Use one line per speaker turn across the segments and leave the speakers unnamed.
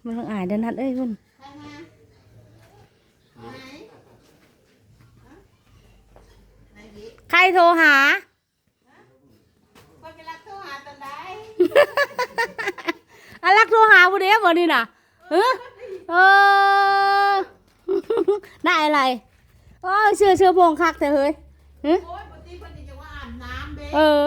มันต้องอายเดินทัดเอ้ยคุณใครโทรหาอารักโทรหาบุเดียวบ่นี่น่ะเออได้อะไรโอ้เชื่อพวงคักแต่เฮ้ยเออ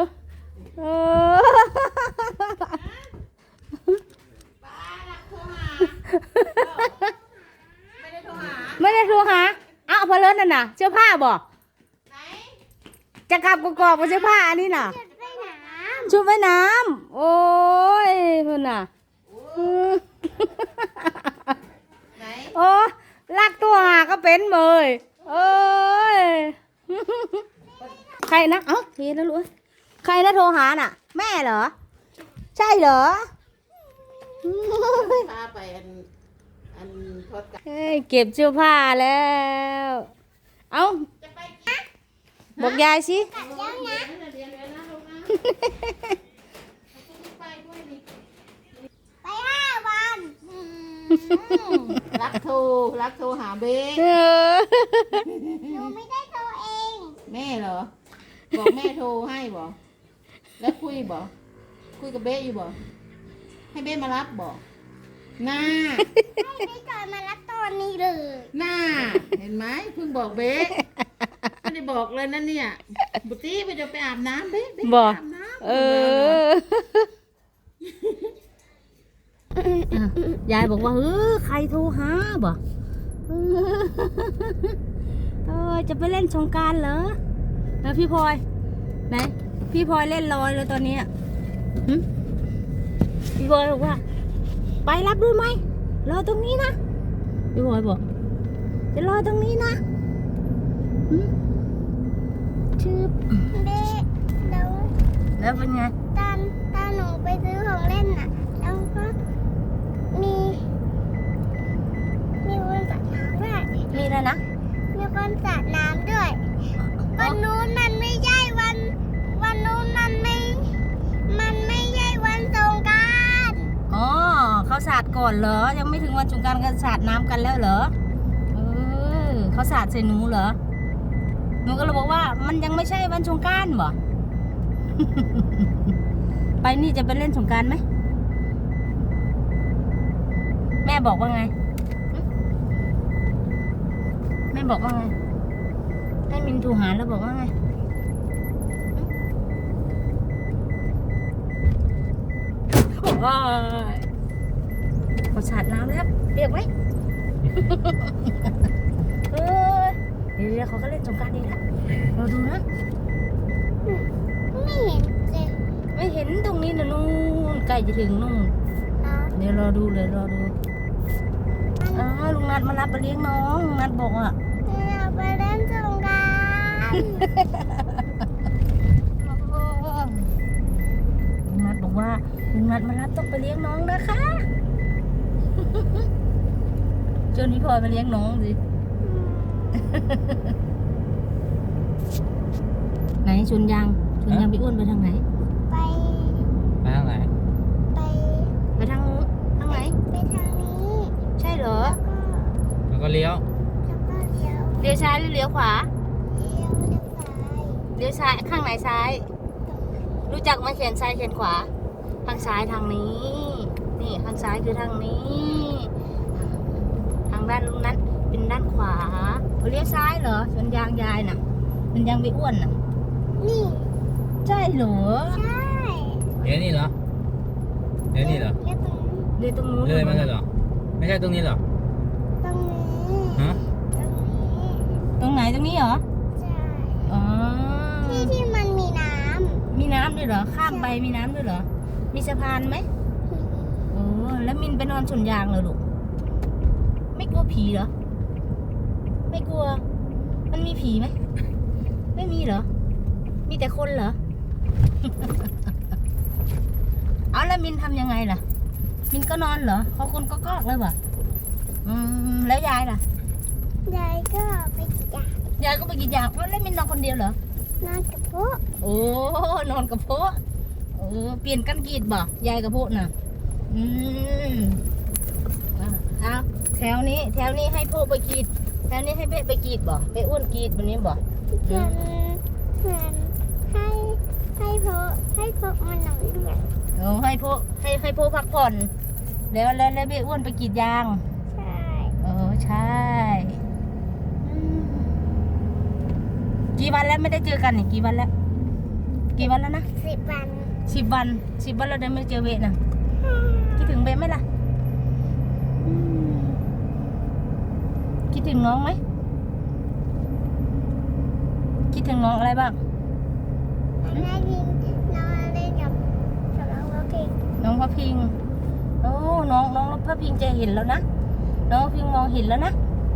ไม่ได้โทรหาอ้าวพอเลิศนั่นน่ะเสื้อผ้าบ่จะกลับกอกๆมาเสื้อผ้าอันนี้น่ะชุดว่ายน้ำโอ้ยเพื่อนน่ะโอ้ลักตัวหาก็เป็นเมยเอ้ยใครนะเอ้าเห็นแล้วลูกใครนะโทรหาน่ะแม่เหรอใช่เหรอ
พาไปอันทอดกัน
เก็บเสื้อผ้าแล้วเอ้าบอกยายสิ
ไป5 วัน
รักโทรหาเบ้
หนูไม่ได้โทรเอง
แม่เหรอบอกแม่โทรให้บ่แล้วคุยกับเบ้อยู่บ่ให้เบ้มารับบ่หน้า
ให้ไม่จอยมารับตอนนี้เลย
หน้าเห็นไหมเพิ่งบอกเบ้ไม่ได้บอกเลยนั่นเนี่ยบุตรีไปจะไปอาบน้ำเบ้
บอก
อาบน้ำ
ยายบอกว่าใครโทรหาบ่จะไปเล่นสงกรานต์เหรอแล้วพี่พลอยไหนพี่พลอยเล่นลอยเลยตอนนี้พี่พลอยบอกว่าไปรับด้วยไหมรอตรงนี้นะพี่พลอยบอกจะรอตรงนี้นะชื่อ
เบ๊
แล้วเป็นไง
ตอนหนูไปซื้อของเล่นน่ะแล้วก็มีคนสาดน้ำด้วย
มีอะไรนะ
มีคนสาดน้ำด้วยวันนู้นมันไม่ใช่วันนู้นมันไม่ใช่วันสงกรานต์
อ๋อเขาสาดก่อนเหรอยังไม่ถึงวันสงกรานต์กันสาดน้ำกันแล้วเหรอเขาสาดใส่หนูเหรอหนูก็เลยบอกว่ามันยังไม่ใช่วันสงกรานต์บ่ ไปนี่จะไปเล่นสงกรานต์ไหมแม่บอกว่าไงแม่บอกว่าไงให้มินถูหาแล้วบอกว่าไงว้ายขอสาดน้ำแล้วเปียกไหมเดี๋ยวเขาก็เล่นสงกรานต์ดีแล้วเราดูนะ
ไม่เห็นเลย
ไม่เห็นตรงนี้นะนู่นใกล้จะถึงนู่นเดี๋ยวรอดูเลยรอดูลุงนัดมารับไปเลี้ยงน้องลุงนัดบอกอ่ะ
อยากไปเล่นสงกรานต์
ลุงนัดบอกว่าลุงนัดมารับต้องไปเลี้ยงน้องนะคะชวนพี่พลอยมาเลี้ยงน้องสิไหนชวนยังพี่อ้วนไปทางไหน
ไป
ทางไหน
ไปทางไหน
ไปทางนี้
ใช่เหรอ
แล้วก็เลี้ยว
ซ้ายหรือเลี้ยวขวา
เลี้ยว
ซ้ายข้างไหนซ้ายรู้จักมาเขียนซ้ายเขียนขวาทางซ้ายทางนี้นี่ทางซ้ายคือทางนี้ทางด้านนั้นเป็นด้านขวาเลี้ยวซ้ายเหรอชนยางยายน่ะมันยังไม่อ้วนน่ะ
นี่
ใช่เหรอ
ใช่
เดี๋ยวนี่เหรอเดี๋ยวนี่เหรอ
เดี๋ยวตรงนู้น
เลยมาเลยเหรอไม่ใช่ตรงนี้เหรอ
ตรงนี้
ฮะ
ตรงไหนตรงนี้เหรอ
ใช่
อ๋อ
ที่มันมีน้
ำด้วยเหรอข้ามไปมีน้ำด้วยเหรอมีสะพานไหมโอ้แล้วมินไปนอนสวนยางเลยลูกไม่กลัวผีเหรอไม่กลัวมันมีผีไหมไม่มีเหรอมีแต่คนเหรอ เอาแล้วมินทำยังไงล่ะมินก็นอนเหรอเขาคนก็กอกเลยวะแล้วยายล่ะ
ยายก็ไปกินย
ายก็ไปกินยาแล้วมินนอนคนเดียวเหรอน
อนกับพ่อ
โอ้นอนกับพ่อเปลี่ยนกันกีดบ่ยายกับพ่อน่ะแถวนี้ให้พวกไปกรีดแถวนี้ให้เบ๊ไปกรีดบ่เบ๊อ้วนกรีดวันนี้บ่
เหมือนให้พวกมันหน่อยด้วย
ให้พวกพักผ่อนแล้วเบ๊อ้วนไปกรีดยาง
ใช่
ใช่กี่วันแล้วไม่ได้เจอกันนี่กี่วันแล้วนะ
10 วัน
10 วันเราได้ไม่เจอเบ๊นะคิดถึงเบ๊ไหมล่ะคิดถึงน้องไหมคิดถึงน้องอะไรบ้าง
แม่ยินนอนเล่นกับน้องโอเค
น้องพระพิงโอ้น้องพระพิงจะเห็นแล้วนะน้องพระพิงมองเห็นแล้วนะ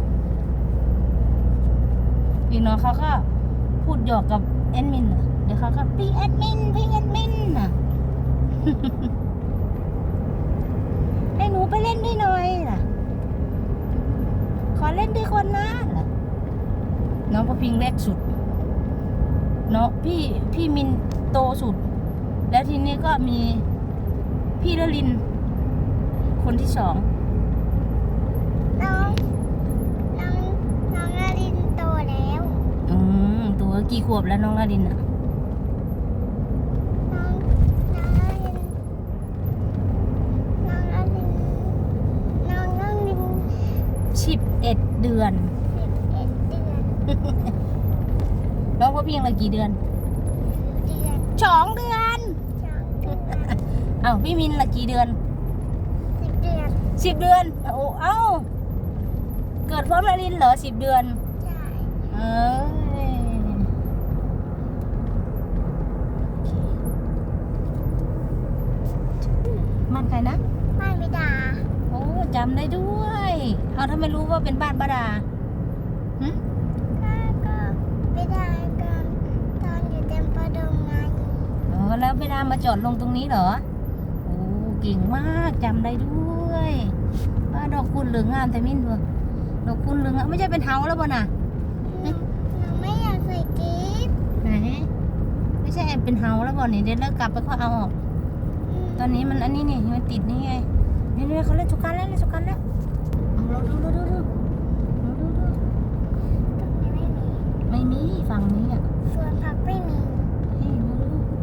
อีกน้องเขาก็พูดหยอกกับแอดมินเดี๋ยวเขาก็พี่แอดมินน่ะ ให้หนูไปเล่นด้วยหน่อยน่ะขอเล่นด้วยคนนะน้องพระพิงเล็กสุดเนาะพี่มินโตสุดแล้วทีนี้ก็มีพี่ละลินคนที่ 2
น้องนารินโตแล้ว
ตัวกี่ขวบแล้วน้องละลินอ่ะ
น้องนาริน
11 เดือน
11 เดือน
น้องพระพิงละกี่เดือน
เดือน
2 เดือน
2 เดือน
อ้าวพี่มินละกี่เดือน
10 เดือน
10 เดือนโอ้เอ้าเกิดพร้อมละลินเหรอ10 เดือน
ใช่
เอ้ยมันใครนะ
บ้านบิดา
โอ้จำได้ด้วย เอาถ้าไม่รู้ว่าเป็นบ้านป้าดาหึ
ก็บิดากันตอนอยู่เต็มประดงไง
แล้วป้าดามาจอดลงตรงนี้เหรอโอ้เก่งมากจำได้ด้วยว่าดอกคุณเหลืองงามแต่มิ้นด้วยดอกคุณเหลืองงามไม่ใช่เป็นเฮาแล้วบ่น่ะ
หนูไม่อยากใส่กิ๊บ
ไหนไม่ใช่เป็นเฮาแล้วบ่นี่เดี๋ยวเรากลับไปก็เอาออกตอนนี้มันอันนี้นี่มันติดนี่ไงนี่เขาเล่นสุกันแล้วเอาเราดู
ตรงนี้ไม่มี
ไม่มีฝั่งนี้อ่ะ
สวนผักไม่มี
เฮ้ยดู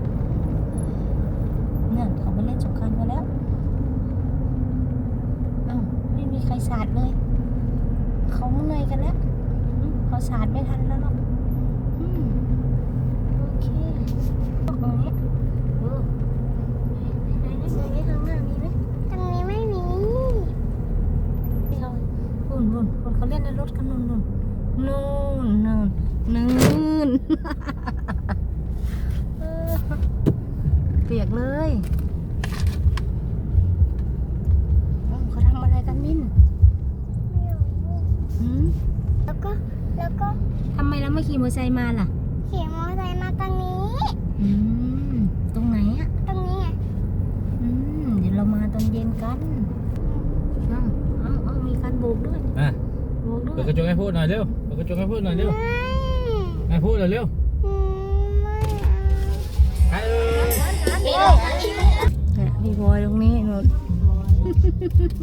เนี่ยเขาไปเล่นสุกันกันแล้วอ้าวไม่มีใครสาดเลยเขาเหนื่อยกันแล้วเขาสาดไม่ทันแล้วหรอกโอเคตรงนี้ไหนข้างหน้ามีไหม
ตรงนี้ไม่มี
นู่นเขาเล่นในรถกันนู่นเปียกเลยเขาทำอะไรกันมิ้น
ไม่รู้ แล้วก็
ทำไมเราไม่ขี่มอเตอร์ไซค์มาล่ะ
ขี่มอเตอร์ไซค์มาตรงนี้
ตรงไหนอ่ะ
ตรงนี้ไง
เดี๋ยวเรามาตอนเย็นกันเอามีการโบกด้วย โบกด้ว
เปิด
ย
กระจกให้พูดหน่อยเร็วเปิดกระจกให้พูดหน่อยเร็ว
ไม่
ให้พูดหน่อยเร็ว
ไม่เอา
ให้เอ้ย
เนี่ยพี่บอยตรงนี้นู่น